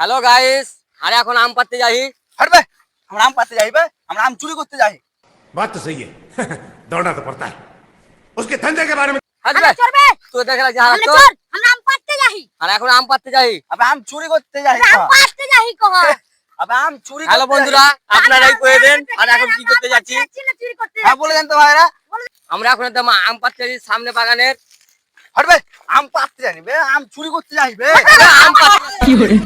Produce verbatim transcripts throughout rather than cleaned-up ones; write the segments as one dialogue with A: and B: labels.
A: Hello guys, अरे এখন আম পাড়তে যাই।
B: हट बे। हम आम पाते जाई बे, हम आम चोरी करते जाई।
C: बात तो सही है। दौड़ना तो पड़ता है उसके धंधे के बारे में।
A: হাট
D: আমরা
A: বে
D: চড়বে
A: তুই দেখে লাগছে হারাত
D: আমরা
A: তো।
D: চড় আমরা আম পাড়তে যাই
A: আরে এখন আম পাড়তে যাই।
B: अब आम चोरी करते जाई।
D: আমরা আম পাড়তে যাই কহ
B: अब आम चोरी
A: হ্যালো
B: करते
A: বন্ধুরা, আপনারাই কয়ে দেন আর এখন কি করতে যাচ্ছি।
D: না চুরি করতে
B: जाई। हाँ बोले जानते भाईरा।
A: আমরা এখন একদম আম পাড়তে যাচ্ছি সামনে বাগানের।
B: हट बे। आम पाते जानी बे, आम चोरी करते जाई बे।
A: আরে আম পাড়তে কি করে?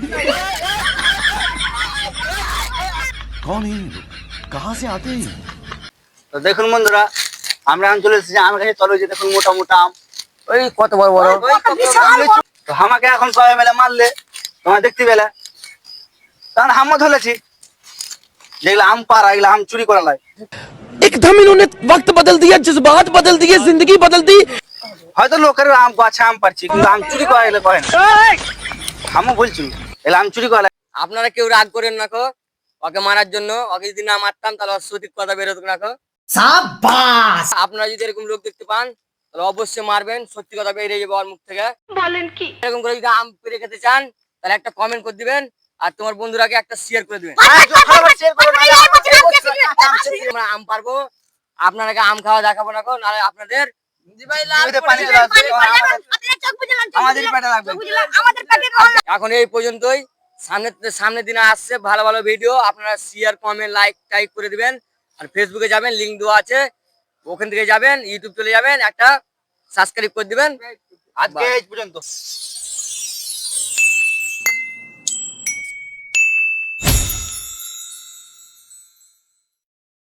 E: कौन है ये लोग? कहाँ से आते हैं?
B: তো দেখুন বন্ধুরা, আমরা আম চলে এসেছি আমের কাছে। চলো যে দেখুন মোটা মোটা আম।
A: ওই কত বড় বড়।
B: তো আমাকে এখন সবাই মিলে মারলে তোমরা দেখতে পেলে, কারণ হামও ধরেছি যেগুলো আম পাড়া এগুলো আম চুরি করা লাই।
F: एकदम इन्होंने वक्त बदल दिया, जज्बात बदल दिए, जिंदगी बदल दी।
B: হয়তো লোকের আম গাছে আম পারছি, কিন্তু আম চুরি করা এগুলো করে না। হামও বলছি এগুলো আম চুরি করা।
A: আপনারা কেউ রাগ করেন না কো ওকে মারার জন্য। ওকে যদি না মারতাম তাহলে ওর সঠিক কথা বেরোতো না কো। সাবাস। আপনারা যদি এরকম লোক দেখতে পান তাহলে অবশ্যই মারবেন, সত্যি কথা বেরিয়ে যাবে ওর মুখ থেকে। বলেন কি? এরকম করে যদি আম পেড়ে খেতে চান তাহলে একটা কমেন্ট করে দিবেন আর তোমার বন্ধুরাকে একটা শেয়ার করে দিবেন। আমরা আম পারবো, আপনারাকে আম খাওয়া দেখাবো না কো, নাহলে আপনাদের
B: আমাদের পেটে লাগবে।
A: এখন এই পর্যন্তই। সামনে সামনের দিনে আসছে ভালো ভালো ভিডিও, আপনারা শেয়ার কমেন্ট লাইক টাইপ করে দিবেন। আর ফেসবুকে যাবেন, লিংক দেওয়া আছে, ওখান থেকে যাবেন, ইউটিউব চলে যাবেন, একটা সাবস্ক্রাইব করে দিবেন।
B: আজকে এই পর্যন্ত।